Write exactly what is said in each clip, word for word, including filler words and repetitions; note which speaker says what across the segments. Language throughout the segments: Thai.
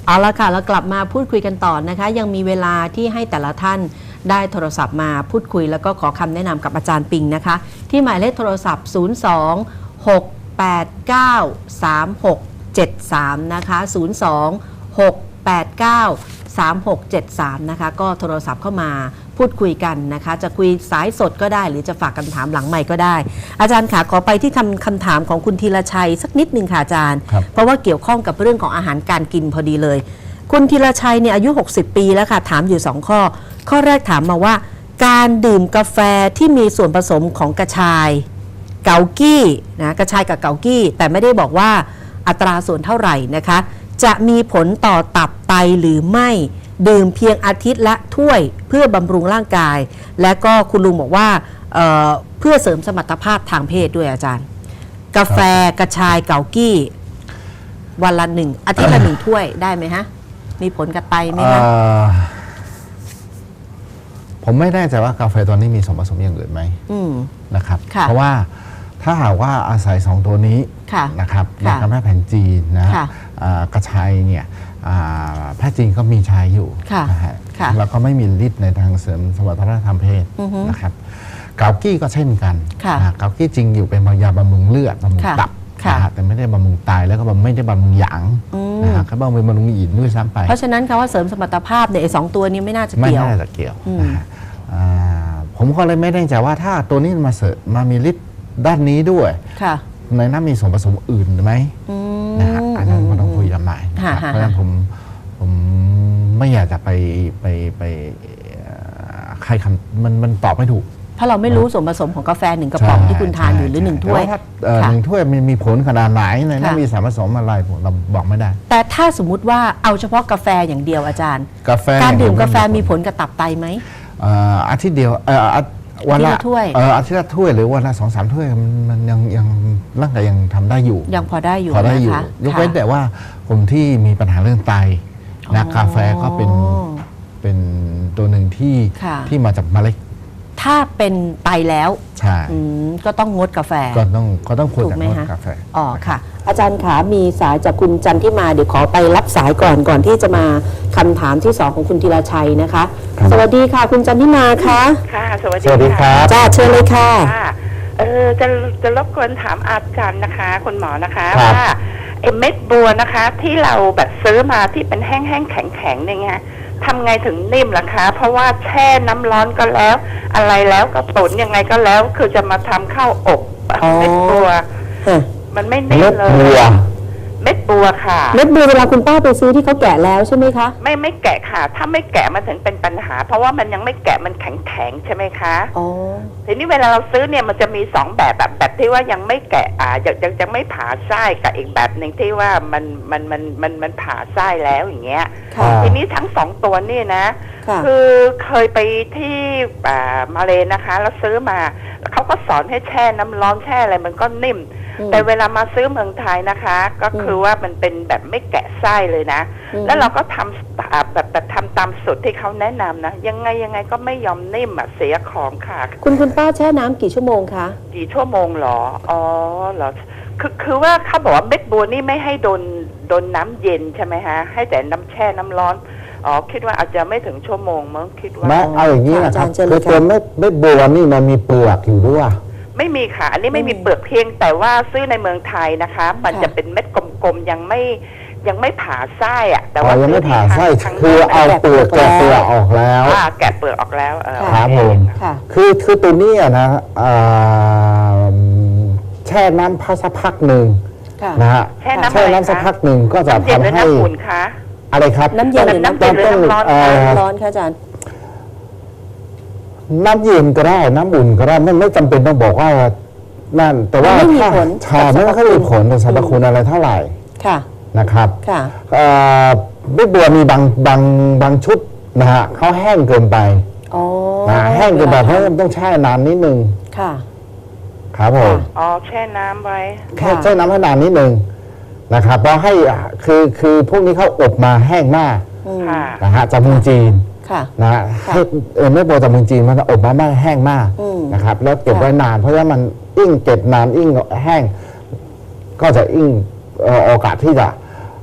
Speaker 1: เอาละค่ะแล้วกลับมาพูดคุยกันต่อนะคะยังมีเวลาที่ให้แต่ละท่านได้โทรศัพท์มาพูดคุยแล้วก็ขอคำแนะนำกับอาจารย์ปิงนะคะที่หมายเลขโทรศัพท์ ศูนย์ สอง หก แปด เก้า สาม หก เจ็ด สาม นะคะ ศูนย์ สอง หก แปด เก้า สาม หก เจ็ด สาม นะคะก็โทรศัพท์เข้ามาพูดคุยกันนะคะจะคุยสายสดก็ได้หรือจะฝากคำถามหลังไมค์ก็ได้อาจารย์ค่ะขอไปที่คำคำถามของคุณธีรชัยสักนิดนึงค่ะอาจารย์เพราะว่าเกี่ยวข้องกับเรื่องของอาหารการกินพอดีเลยคุณธีรชัยเนี่ยอายุหกสิบปีแล้วค่ะถามอยู่สองข้อข้อแรกถามมาว่าการดื่มกาแฟที่มีส่วนผสมของกระชายเกากี้นะกระชายกับเกากี้แต่ไม่ได้บอกว่าอัตราส่วนเท่าไหร่นะคะจะมีผลต่อตับไตหรือไม่ดื่มเพียงอาทิตย์ละถ้วยเพื่อบำรุงร่างกายและก็คุณลุงบอกว่าเ, เพื่อเสริมสมรรถภาพทางเพศด้วยอาจารย์กาแฟกระชายเกากี้วันละหนึ่งอาทิตย์ละหนึ่งถ้วยได้ไหมฮะมีผลกับไตไหมคะ
Speaker 2: ผมไม่แน่ใจว่ากาแฟตัวนี้มีส่วนผสมอย่างอื่นไหมนะครับเพราะว่าถ้าหากว่าอาศัยสองตัวนี้นะครับในการแพทย์แผนจีนนะกระชายเนี่ยแพทย์จีนก็มีใช้อยู่นะฮะแล้วก็ไม่มีฤทธิ์ในทางเสริมสมรรถภาพทางเพศนะครับเกากี้ก็เช่นกันเกากี้จริงอยู่เป็นยาบำรุงเลือดบำรุงตับแต่ไม่ได้บำรุงไตแล้วก็ไม่ได้บำรุงหยางนะฮะก็บำรุงบำรุงอินด้วยซ้ำไป
Speaker 1: เพราะฉะนั้นคำว่าเสริมสมรรถภาพเนี่ยไอ้สองตัวนี้ไม่น่าจะเกี่ยว
Speaker 2: ไม่น่าจะเกี่ยวผมก็เลยไม่แน่ใจว่าถ้าตัวนี้มาเสริมมามีฤทธิ์ด้านนี้ด้วยในนั้นมีส่วนผสมอื่นไหมนะฮะอันนั้นมันต้องคุยกันใหม่เพราะฉะนั้นผมผมไม่อยากจะไปไปไปใครคำมันมันตอบไม่ถูก
Speaker 1: เพราะเราไม่รู้ส่วนผสมของกาแฟหนึ่งกระป๋องที่คุณทานอยู่หรือหนึ่งถ้วย
Speaker 2: หนึ่งถ้วยมันมีผลขนาดไหนในนั้นมีสารผสมอะไรผมเราบอกไม่ได้
Speaker 1: แต่ถ้าสมมุติว่าเอาเฉพาะกาแฟอย่างเดียวอาจารย์
Speaker 2: กาแฟ
Speaker 1: การดื่มกาแฟมีผลกับตับไตไหม
Speaker 2: อาทิตย์เดียววันละถ้วยอาทิตย์ละถ้วยหรือวันละสองสามถ้วยมันยังยังร่างกายยังทำได้อยู่
Speaker 1: ยังพอได้อยู่
Speaker 2: พอได้อยู่ยกเว้นแต่ว่าคนที่มีปัญหาเรื่องไตนะกาแฟก็เป็นเป็นตัวหนึ่งที่ที่มาจากเมล็ด
Speaker 1: ถ้าเป็นไตแล้ว
Speaker 2: ใช่
Speaker 1: ก็ต้องงดกาแฟ
Speaker 2: ก็ต้องก็ต้องควรจะงดกาแฟ
Speaker 1: อ๋อค่ะอาจารย์ขามีสายจากคุณจันทิมาเดี๋ยวขอไปรับสายก่อนก่อนที่จะมาคำถามที่สองของคุณธีรชัยนะคะสวัสดีค่ะคุณจันทิมาค่ะ
Speaker 3: ค่ะสวัสดีค่ะ
Speaker 1: จ้าเชิญเลยค่ะ
Speaker 3: เออจะจะรบกวนถามอาจารย์นะคะคุณหมอนะคะว่าไอ้เม็ดบัวนะคะที่เราแบบซื้อมาที่เป็นแห้งๆแข็งๆเนี่ยไงทำไงถึงนิ่มล่ะคะเพราะว่าแช่น้ำร้อนก็แล้วอะไรแล้วก็ตุ๋นยังไงก็แล้วคือจะมาทำข้าวอบเม็ดบัวมันไม่นิ่มเลยเม็ดบัวค่ะ
Speaker 1: เม็ดบัวเวลาคุณป้าไปซื้อที่เขาแกะแล้วใช่ไหมคะ
Speaker 3: ไม่ไม่แกะค่ะถ้าไม่แกะมันถึงเป็นปัญหาเพราะว่ามันยังไม่แกะมันแข็งแข็งใช่ไหมคะ
Speaker 1: อ๋อ
Speaker 3: ทีนี้เวลาเราซื้อเนี่ยมันจะมีสองแบบแบบแบบที่ว่ายังไม่แกะอ่ายังยังยังไม่ผ่าไส้กับอีกแบบหนึ่งที่ว่ามันมันมันมันมันผ่าไส้แล้วอย่างเงี้ยทีนี้ทั้งสองตัวนี่นะคือเคยไปที่มาเลนะคะแล้วซื้อมาเขาก็สอนให้แช่น้ำร้อนแช่อะไรมันก็นิ่มแต่เวลามาซื้อเมืองไทยนะคะก็คือว่ามันเป็นแบบไม่แกะไส้เลยนะแล้วเราก็ทำแบบแบบทำตามสูตรที่เขาแนะนำนะยังไงยังไงก็ไม่ยอมนิ่มอ่ะเสียของค่ะ
Speaker 1: คุณคุณป้าแช่น้ำกี่ชั่วโมงคะ
Speaker 3: กี่ชั่วโมงหรออ๋อเหรอคือคือว่าเขาบอกว่าเม็ดบัวนี่ไม่ให้โดนโดนน้ำเย็นใช่ไหมฮะให้แต่น้ำแช่น้ำร้อนอ๋อคิดว่าอาจจะไม่ถึงชั่วโมงมั้งคิดว่า
Speaker 2: ไม่เอาอย่างนี้นะครับคือตัวเม็ดเม็ดบัวนี่มันมีเปลือกอยู่ด้วย
Speaker 3: ไม่มีค่ะอันนี้ไม่มีเปลือกเพียงแต่ว่าซื้อในเมืองไทยนะคะมันจะเป็นเม็ดกลมๆยังไม่ยังไม่ผ่าไส้อะแต่ว่า
Speaker 2: ยังไม่ผ่าไส้คือเอาเปลือกแกะเปลือกออกแล้ว
Speaker 3: แกะเปลือกออกแล้ว
Speaker 2: ครับผมคือคือตัวนี้นะแช่น้ำพักสักพักหนึ่งนะฮะแช่น้ำสักพักหนึ่งก็จะทำให้อะไรครับ
Speaker 1: น้ำเย็นหรือน้ำเย็นหรือน้ำร้อนร้อนค่ะอาจารย์
Speaker 2: น้ำเย็นก็ได้น้ำอุ่นก็ได้ไม่ไม่จำเป็นต้องบอกว่านั่นแต่ว่า
Speaker 1: ไม่มีผล
Speaker 2: ชาไม่ค่อยมีผลต่อสรรพคุณอะไรเท่าไหร่
Speaker 1: ค่ะ
Speaker 2: นะครับ
Speaker 1: ค่ะ
Speaker 2: เม็ดบัวมีบางบางบางชุดนะฮะเขาแห้งเกินไป
Speaker 1: อ๋อ
Speaker 2: แห้งเกินไปเพราะมันต้องแช่นานนิดนึง
Speaker 1: ค่ะ
Speaker 2: ครับผม
Speaker 3: อ๋อแช่น้ำไว้
Speaker 2: แค่แช่น้ำให้นานนิดนึงนะครับเพราะให้คือคือพวกนี้เขาอบมาแห้งมากนะฮะจากเมืองจีนนะฮะให้เม็ดบัวจากเมืองจีนมันอบมาไม่แห้งมากนะครับแล้วเก็บไว้นานเพราะว่ามันอิ่งเก็บนานอิ่งแห้งก็จะอิ่งโอกาสที่จะ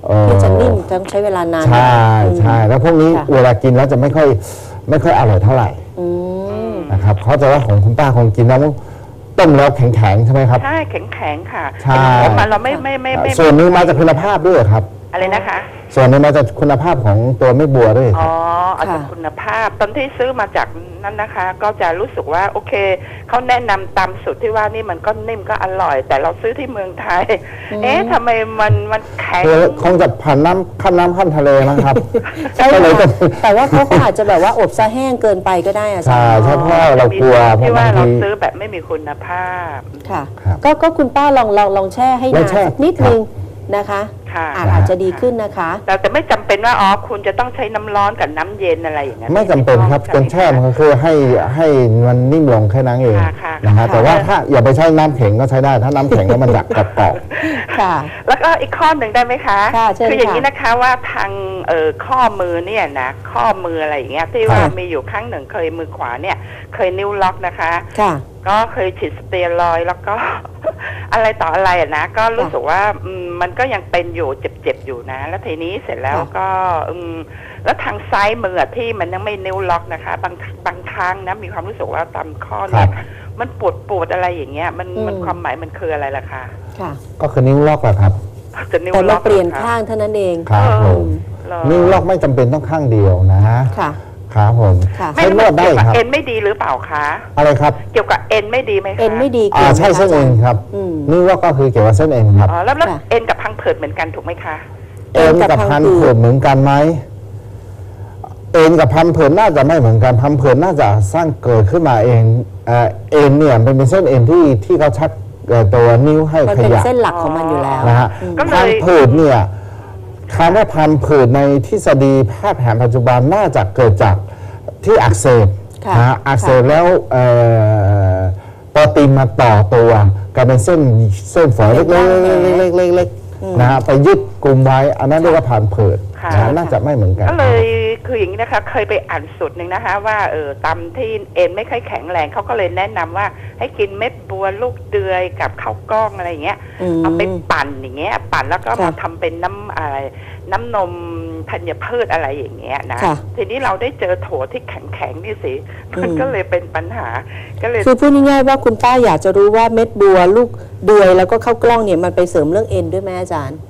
Speaker 1: ที่จะนิ่มต้องใช้เวลานาน
Speaker 2: ใช่ใช่แล้วพวกนี้เวลากินแล้วจะไม่ค่อยไม่ค่อยอร่อยเท่าไหร่นะครับเขาจะว่าของคุณป้าคงกินแล้วต้มแล้วแข็งๆใช่ไหมครับ
Speaker 3: ใช่แข็งๆค่ะ
Speaker 2: ใช่
Speaker 3: มันเราไม่ไม่ไม่ไม่
Speaker 2: ส่วนนึงมาจากคุณภาพด้วยครับ
Speaker 3: อะไรนะคะ
Speaker 2: ส่วนนึงมาจากคุณภาพของตัวเม็ดบัวด้วย
Speaker 3: อ๋อเอาจากคุณภาพตอนที่ซื้อมาจากนั่นนะคะ ก็จะรู้สึกว่าโอเคเขาแนะนำตามสูตรที่ว่านี่มันก็นิ่มก็อร่อย แต่เราซื้อที่เมืองไทยเอ๊ะทำไมมันมันแข็ง
Speaker 2: คงจะผ่านน้ำข้ามน้ำข้ามทะเลนะครับ
Speaker 1: ใช่แต่ว่าเขาอาจจะแบบว่าอบซะแห้งเกินไปก็ได้อะ
Speaker 2: ใช่ใช่เพราะเรากลัว
Speaker 3: ที่ว่าเราซื้อแบบไม่มีคุณภาพ
Speaker 1: ค่ะก็ก็คุณป้าลองลองลองแช่ให้นานนิดนึงนะคะอาจจะดีขึ้นนะคะ
Speaker 3: แต่แต่ไม่จำเป็นว่าอ๋อคุณจะต้องใช้น้ำร้อนกับน้ำเย็นอะไรอย่างเงี้ย
Speaker 2: ไม่จำเป็นครับการแช่มันก็คือให้ให้มันนิ่มลงแค่นั้นเองนะฮะแต่ว่าถ้าอย่าไปใช้น้ำแข็งก็ใช้ได้ถ้าน้ำแข็งแล้วมันอยากกรอบ
Speaker 3: ๆค่ะแล้วก็อีกข้อหนึ่งได้ไหมคะคืออย่างนี้นะคะว่าทางเอ่อข้อมือเนี่ยนะข้อมืออะไรอย่างเงี้ยที่ว่ามีอยู่ครั้งหนึ่งเคยมือขวาเนี่ยเคยนิ้วล็อกนะคะก็เคยฉีดสเตียรอยด์แล้วก็อะไรต่ออะไรอ่ะนะก็รู้สึกว่ามันก็ยังเป็นอยู่เจ็บๆอยู่นะแล้วทีนี้เสร็จแล้วก็แล้วทางซ้ายมือที่มันยังไม่นิ้วล็อกนะคะบางบางครั้งนะมีความรู้สึกว่าตามข้อเนี่ยมันปวดปวดอะไรอย่างเงี้ยมันมันความหมายมันคืออะไรล่ะคะ
Speaker 2: ก็คือนิ้วล็อกแหละครับ
Speaker 1: แต่เราเปลี่ยนข้างเท่านั้นเอง
Speaker 2: ครับผมนิ้วล็อกไม่จำเป็นต้องข้างเดียวนะค่ะครับผม
Speaker 3: ไม่นวดได้ครับเอ็นไม่ดีหรือเปล่าคะ
Speaker 2: อะไรครับ
Speaker 3: เกี่ยวกับเอ็นไม่ดีไหมคะ
Speaker 1: เอ็นไม่ดี
Speaker 2: อ่าใช่เส้นเอ็นครับนี่ว่าก็คือเกี่ยวกับเส้นเอ็นครับ
Speaker 3: อ๋อแล้วแล้วเอ็นกับพังผืดเหมือนกันถูกไหมคะ
Speaker 2: เอ็นกับพังผืดเหมือนกันไหมเอ็นกับพังผืดน่าจะไม่เหมือนกันพังผืดน่าจะสร้างเกิดขึ้นมาเองเอ็นเนี่ยเป็นเส้นเอ็นที่ที่เขาชักตัวนิ้วให้ขยับ
Speaker 1: เป็นเส้นหลักของมันอยู่แล้ว
Speaker 2: นะฮะพังผืดเนี่ยคำว่าพังผืดในทฤษฎีแพทย์แผนปัจจุบันน่าจะเกิดจากที่อักเสบนะอักเสบแล้วโปรตีนมาต่อตัวกลายเป็นเส้นเส้นฝอยเล็กๆๆๆๆนะฮะไปยึดกลุ่มไว้อันนั้นเรียกว่าพังผืดน่าจะไม่เหมือนกัน
Speaker 3: ก็เลยคืออย่างนี้นะคะเคยไปอ่านสูตรหนึ่งนะคะว่าเออตามที่เอ็นไม่ค่อยแข็งแรงเขาก็เลยแนะนำว่าให้กินเม็ดบัวลูกเดือยกับข้าวกล้องอะไรอย่างเงี้ยเอาไปปั่นอย่างเงี้ยปั่นแล้วก็มาทำเป็นน้ำอะไรน้ำนมธัญพืชอะไรอย่างเงี้ยนะทีนี้เราได้เจอโถที่แข็งๆนี่สิมันก็เลยเป็นปัญหาก็เลย
Speaker 1: คือพูดง่ายๆว่าคุณป้าอยากจะรู้ว่าเม็ดบัวลูกเดือยแล้วก็ข้าวกล้องเนี่ยมันไปเสริมเรื่องเอ็นด้วยไหมอาจารย์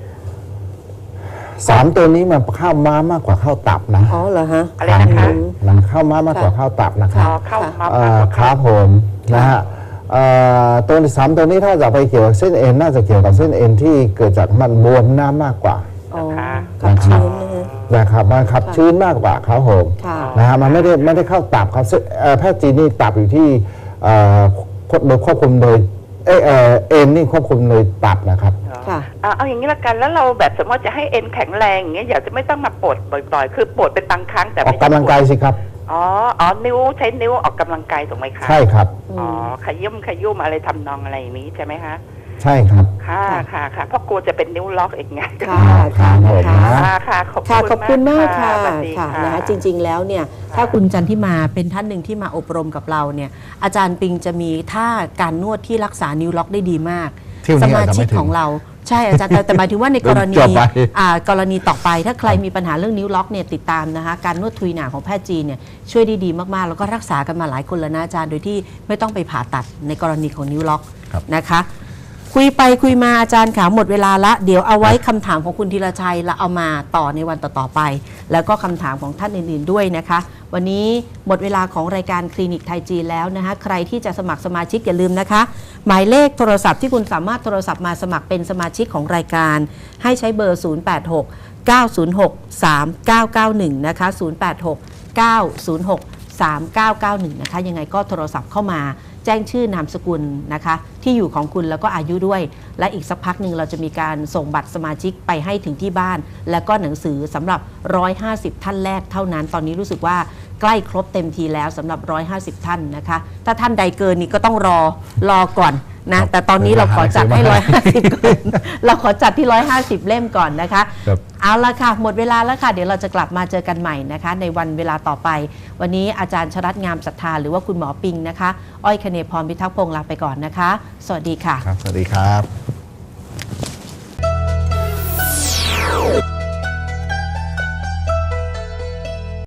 Speaker 2: สามตัวนี้มันเข้าม้ามากกว่าเข้าตับนะ
Speaker 1: อ๋อเหรอฮะ
Speaker 3: อะไรนะคะ
Speaker 2: มันเข้าม้ามากกว่าเข้าตับนะครับ
Speaker 3: เข้าม้ามากกว่า
Speaker 2: ครับผมนะฮะตัวสามตัวนี้ถ้าจะไปเกี่ยวกับเส้นเอ็นน่าจะเกี่ยวกับเส้นเอ็นที่เกิดจากมันบวมน้ำมากกว่า
Speaker 1: ขับชื้น
Speaker 2: นะครับมันขับชื้นมากกว่าครับผมนะฮะมันไม่ได้ไม่ได้เข้าตับครับแพทย์จีนนี่ตับอยู่ที่โดยควบคุมโดยเอเอ็นนี่ควบคุมโดยตับนะครับ
Speaker 3: ค่ะเอาอย่างนี้ละกันแล้วเราแบบสมมติจะให้เอ็นแข็งแรงอย่างเงี้ยอยากจะไม่ต้องมาปวดบ่อยๆคือปวดเป็นบางครั้งแต่
Speaker 2: ออกกำลังกายสิครับ
Speaker 3: อ๋ออ๋อนิ้วใช้นิ้วออกกำลังกายถูกไหมคะ
Speaker 2: ใช่ครับ
Speaker 3: อ๋อขยุ่มขยุ่มอะไรทำนองอะไรอย่างนี้ใช่ไหมคะ
Speaker 2: ใช่ครับ
Speaker 3: ค่ะค่ะค่ะเพราะกลัวจะเป็นนิ้วล็อกอีกไง
Speaker 1: ค่ะค่ะ
Speaker 3: ค่ะค่ะขอบคุณ
Speaker 1: ขอบคุณมากค่ะค่ะนะคะจริงๆแล้วเนี่ยถ้าคุณจันทิมาเป็นท่านหนึ่งที่มาอบรมกับเราเนี่ยอาจารย์ปิงจะมีท่าการนวดที่รักษานิ้วล็อกได้ดีมากสมาชิกของเราใช่อาจารย์แต่หมายถึงว่าในกรณีกรณีต่อไปถ้าใครมีปัญหาเรื่องนิ้วล็อกเนี่ยติดตามนะคะการนวดทุยหนาของแพทย์จีนเนี่ยช่วยได้ดีมากๆแล้วก็รักษากันมาหลายคนแล้วนะอาจารย์โดยที่ไม่ต้องไปผ่าตัดในกรณีของนิ้วล็อกนะคะคุยไปคุยมาอาจารย์ขาหมดเวลาละเดี๋ยวเอาไว้คำถามของคุณธีรชัยเราเอามาต่อในวันต่อๆไปแล้วก็คำถามของท่านอื่นๆด้วยนะคะวันนี้หมดเวลาของรายการคลินิกไทยจีนแล้วนะคะใครที่จะสมัครสมาชิกอย่าลืมนะคะหมายเลขโทรศัพท์ที่คุณสามารถโทรศัพท์มาสมัครเป็นสมาชิกของรายการให้ใช้เบอร์ ศูนย์ แปด หก เก้า ศูนย์ หก สาม เก้า เก้า หนึ่ง นะคะ ศูนย์ แปด หก เก้า ศูนย์ หก สาม เก้า เก้า หนึ่ง นะคะยังไงก็โทรศัพท์เข้ามาแจ้งชื่อนามสกุลนะคะที่อยู่ของคุณแล้วก็อายุด้วยและอีกสักพักหนึ่งเราจะมีการส่งบัตรสมาชิกไปให้ถึงที่บ้านแล้วก็หนังสือสำหรับหนึ่งร้อยห้าสิบท่านแรกเท่านั้นตอนนี้รู้สึกว่าใกล้ครบเต็มทีแล้วสำหรับหนึ่งร้อยห้าสิบท่านนะคะถ้าท่านใดเกินนี้ก็ต้องรอรอก่อนนะแต่ตอนนี้เราขอจัดให้หนึ่งร้อยห้าสิบก่อนเราขอจัดที่หนึ่งร้อยห้าสิบเล่มก่อนนะคะเอาละค่ะหมดเวลาแล้วค่ะเดี๋ยวเราจะกลับมาเจอกันใหม่นะคะในวันเวลาต่อไปวันนี้อาจารย์ชรัตน์งามศรัทธาหรือว่าคุณหมอปิงนะคะอ้อยคเนย์พรพิทักษ์พงษ์ลาไปก่อนนะคะสวัสดีค่ะ
Speaker 2: ครับสวัสดีครับ